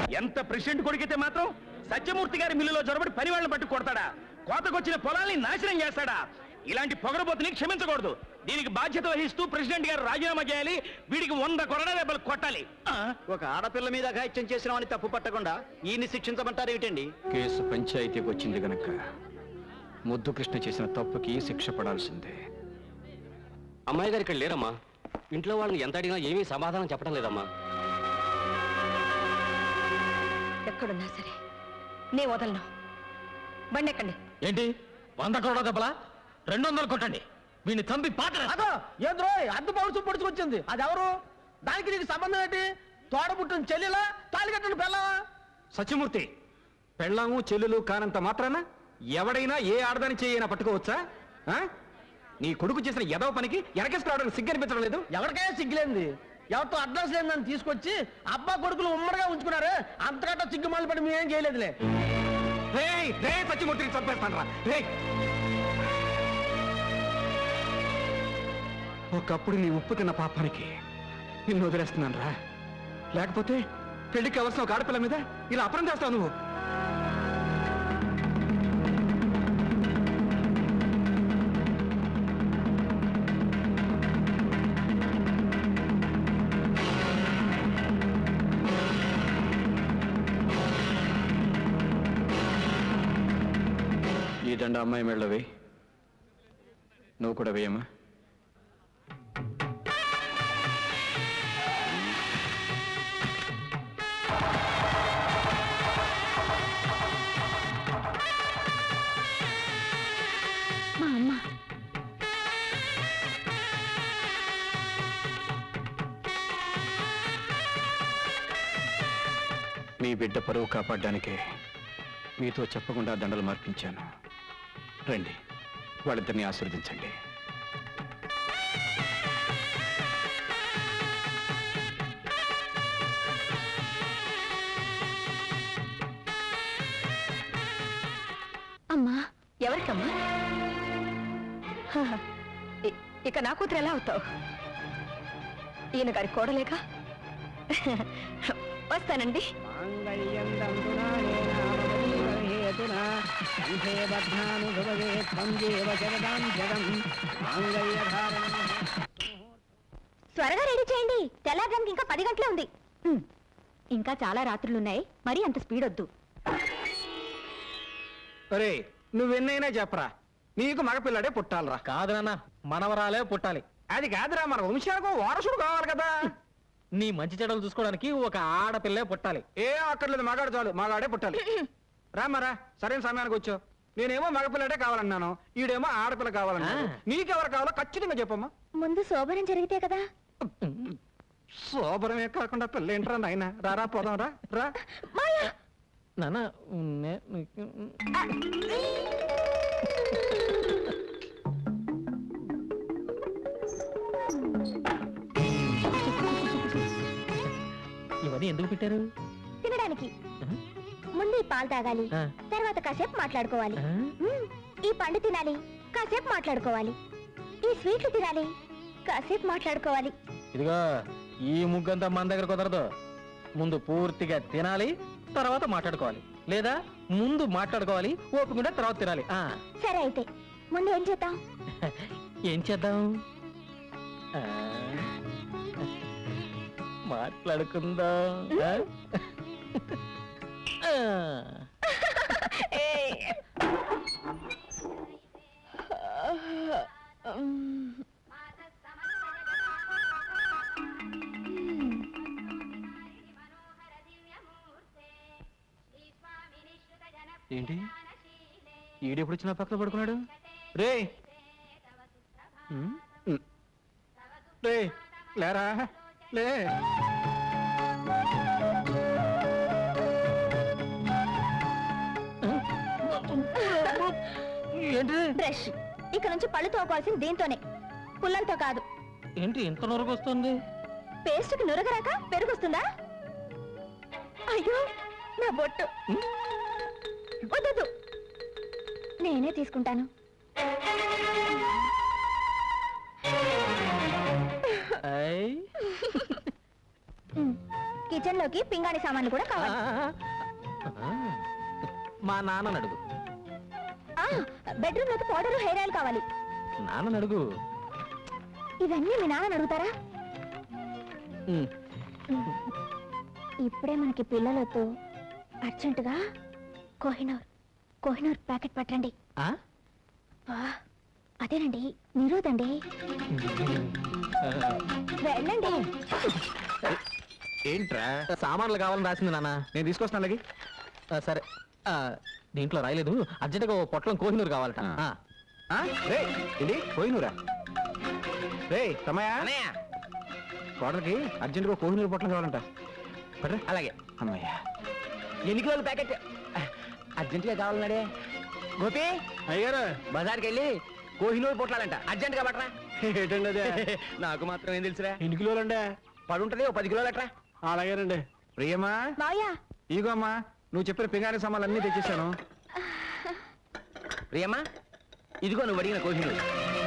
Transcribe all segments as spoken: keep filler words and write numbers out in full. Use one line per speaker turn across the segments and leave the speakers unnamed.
ఎంత ప్రెసిడెంట్ కొడుకైతే మాత్రం సత్యమూర్తి గారి మిల్లులో జొరబడి పని వాళ్ళని పట్టు కొడతాడా? కోతకొచ్చిన పొలాల్ని నాశనం చేస్తాడా? ఇలాంటి పొగరబోతుని క్షమించకూడదు. దీనికి బాధ్యత వహిస్తూ ప్రెసిడెంట్ గారు రాజీనామా చేయాలి. వీడికి వంద కొరడా దెబ్బలు కొట్టాలి.
ఒక ఆడపిల్ల మీద అఘాయిత్యం చేసిన వాడిని తప్పు పట్టకుండా ఈయన్ని శిక్షించమంటారు ఏమిటండి?
కేసు పంచాయతీకి వచ్చింది గనక ముద్దు కృష్ణ చేసిన తప్పుకి శిక్ష పడాల్సిందే.
అమ్మాయి గారు ఇక్కడ లేరమ్మా. ఇంట్లో వాళ్ళని ఎంత అడిగినా ఏమీ సమాధానం చెప్పడం లేదమ్మా.
ఎక్కడున్నా సరే నే వదలను. బండి ఎక్కండి.
ఏంటి వంద కోట్ల దెబ్బలా? రెండు వందలు కొట్టండి. వీడిని చంపి పాత్ర
ఏంద్రో అద్దు పౌరుషం పొడుచుకొచ్చింది. అది ఎవరు? దానికి నీకు సంబంధం ఏంటి? తోడబుట్టిన చెల్లెలా తాళికట్టిన పెళ్ళావా?
సత్యమూర్తి, పెళ్ళాము చెల్లెలు కానంత మాత్రాన ఎవడైనా ఏ ఆడదాని చేయైనా పట్టుకోవచ్చా? నీ కొడుకు చేసిన ఎదవ పనికి వెనకేసుకురావడానికి సిగ్గు అనిపించడం లేదు?
ఎవరికైనా సిగ్గులేంది. ఎవరితో అడ్రస్ లేదని తీసుకొచ్చి అబ్బా కొడుకులు ఉమ్మడిగా ఉంచుకున్నారు. అంతకంటే సిగ్గు మళ్ళీ పడి మేమేం చేయలేదులే.
సత్యమూర్తిని చంపేస్తాను రా. ఒకప్పుడు నీ ఉప్పు తిన్న పాపానికి నిన్ను వదిలేస్తున్నాను రా. లేకపోతే పెళ్లికి అవసరం ఒక ఆడపిల్ల మీద ఇలా అపరం చేస్తావు నువ్వు. ఈ దండ అమ్మాయి మెళ్ళో వేయి. నువ్వు కూడా వేయమ్మా. మీ బిడ్డ పరువు కాపాడడానికే మీతో చెప్పకుండా దండలు మార్పించాను. రండి, వాళ్ళిద్దరిని ఆశీర్వదించండి.
అమ్మా, ఎవరికమ్మా? ఇక నా కూతురు ఎలా అవుతావు? ఈయన గారి కోడలేక. వస్తానండి.
త్వరగా రెడీ చేయండి. తెల్లారడానికి ఇంకా పది గంటలే ఉంది. ఇంకా చాలా రాత్రులున్నాయి. మరి అంత స్పీడ్ వద్దు.
అరే, నువ్వెన్నైనా చెప్పరా, నీకు మగపిల్లాడే పుట్టాలరా.
కాదు నాన్న, మనవరాలే పుట్టాలి.
అది కాదురా, మన వంశాలకు వారసుడు కావాలి కదా.
నీ మంచి చెడలు చూసుకోవడానికి ఒక ఆడపిల్లే పుట్టాలి.
ఏ అక్కర్లేదు, మగాడు చాలు, మగాడే పుట్టాలి. రామరా, సరైన సమయానికి వచ్చావు. నేనేమో మగపిల్లడే కావాలన్నాను, ఈడేమో ఆడపిల్ల కావాలన్నాను. నీకెవరు కావాలో ఖచ్చితంగా చెప్పమ్మా.
ముందు శోభనం జరిగితే కదా.
శోభనమే కాకుండా పిల్ల ఏంట్రా నాయన. రారా పోదాం రా. రా
నాన్న. ఇవన్నీ ఎందుకు పెట్టారు?
తినడానికి. ముందు ఈ పాలు తాగాలి, తర్వాత కాసేపు మాట్లాడుకోవాలి. ఈ పండు తినాలి, కాసేపు మాట్లాడుకోవాలి. ఈ స్వీట్లు తినాలి, కాసేపు మాట్లాడుకోవాలి.
ఇదిగో, ఈ ముగ్గంతా మన దగ్గర కుదరదు. ముందు పూర్తిగా తినాలి, తర్వాత మాట్లాడుకోవాలి. లేదా ముందు మాట్లాడుకోవాలి, ఓపిక తర్వాత తినాలి.
సరే, అయితే ముందు ఏం చేద్దాం?
ఏం చేద్దాం? మాట్లాడుకుందాం.
ఏంటి ఈడెప్పుడు వచ్చిన పక్కన పడుకున్నాడు? రే రే లేరా, లే.
ఏంటి?
బ్రష్. ఇక నుంచి పళ్ళు తోకోవాల్సింది దీంతోనే, పుల్లలతో కాదు.
ఏంటి ఇంత నురగ వస్తుంది?
పేస్ట్కి నురగరాక పెరుగుస్తుందా? అయ్యో, నా బొట్టు. వద్దు, నేనే తీసుకుంటాను. కిచెన్ లోకి పింగాణి సామాన్లు కూడా కావాలి
మా నాన్న అడుగు
బెడ్రూమ్ లోకి పౌడర్ హెయిర్ ఆయిల్ కావాలి
నాన్న అడుగు
ఇవన్నీ మీ నాన్న అడుగుతారా
ఉమ్.
ఇప్పుడే మనకి పిల్లలతో అర్జెంటుగా కోహినూర్ కోహినూర్ ప్యాకెట్ పట్టండి
ఆ?
వా, అదేనండి నిరోధండి వెళ్ళండి
ఏంట్రా
సామాన్లు కావాలని రాసింది నాన్న
నేను తీసుకొస్తాను అలాగే
ఆ, సరే ఆ, దీంట్లో రాయలేదు అర్జెంటుగా ఓ పొట్లం కోహినూరు కావాలట
ఆ.
ఆ.
రే ఏంటి పోయినూరా రే తమయా కోడలకి అర్జెంటుగా కోహినూరు పొట్లం కావాలంట పట్రా
అలాగే
అమ్మయ్యా
ఎన్ని కిలోల ప్యాకెట్ అర్జెంటుగా కావాలన్నాడే గోపి
అయ్యారు
బజార్కి వెళ్ళి కోహినూరు పొట్లాలంట అర్జెంటుగా పట్టరా
ఏంటండి అదే
నాకు మాత్రం ఏం తెలుసురా
ఎన్ని కిలోలండి
పడుంటది ఓ పది కిలోలు అట్రా
అలాగేనండి
ప్రియమా
మాయా
ఇగో అమ్మా నువ్వు చెప్పిన పింగాణి సామాన్లు అన్నీ తెచ్చేసాను
ప్రియమ్మా ఇదిగో నువ్వు అడిగిన కోహినూరు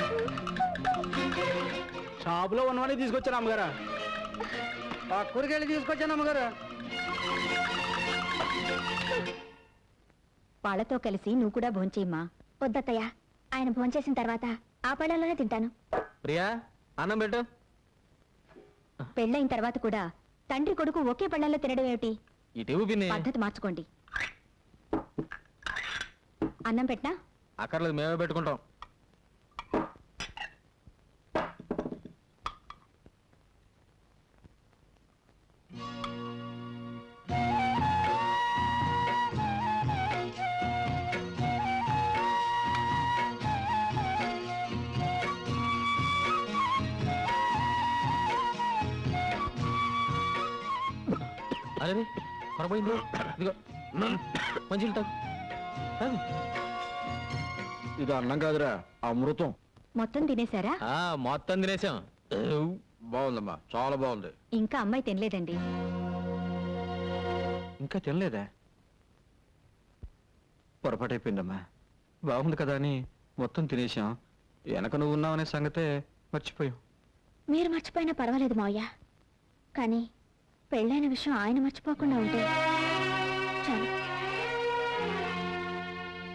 షాపులో ఉన్నవన్నీ తీసుకొచ్చాను అమ్మగారు ఆ కూరగాయలు తీసుకొచ్చాను అమ్మగారు
వాళ్ళతో కలిసి నువ్వు కూడా భోంచేయమ్మా.
వద్దత్తయ్య ఆయన భోంచేసిన తర్వాత ఆ పళ్ళలోనే తింటాను
ప్రియా అన్నం పెట్టు
పెళ్ళైన తర్వాత కూడా తండ్రి కొడుకు ఒకే పళ్ళల్లో తినడం ఏమిటి?
ఇటు పిన్ని
పద్ధతి మార్చుకోండి. అన్నం పెట్టనా?
అక్కర్లేదు మేమే పెట్టుకుంటాం అరే కొరపోయింది ఇదిగో మంచి
ఇది అన్నం కాదురా అమృతం
మొత్తం తినేశారా?
మొత్తం తినేసాం
బాగుందమ్మా చాలా బాగుంది
ఇంకా అమ్మాయి తినలేదండి.
ఇంకా తినలేదా పొరపాటు అయిపోయిందమ్మా బాగుంది కదా అని మొత్తం తినేసాం వెనక నువ్వు ఉన్నావనే సంగతే మర్చిపోయాం
మీరు మర్చిపోయినా పర్వాలేదు మావయ్య కానీ పెళ్ళైన విషయం ఆయన మర్చిపోకుండా ఉంటే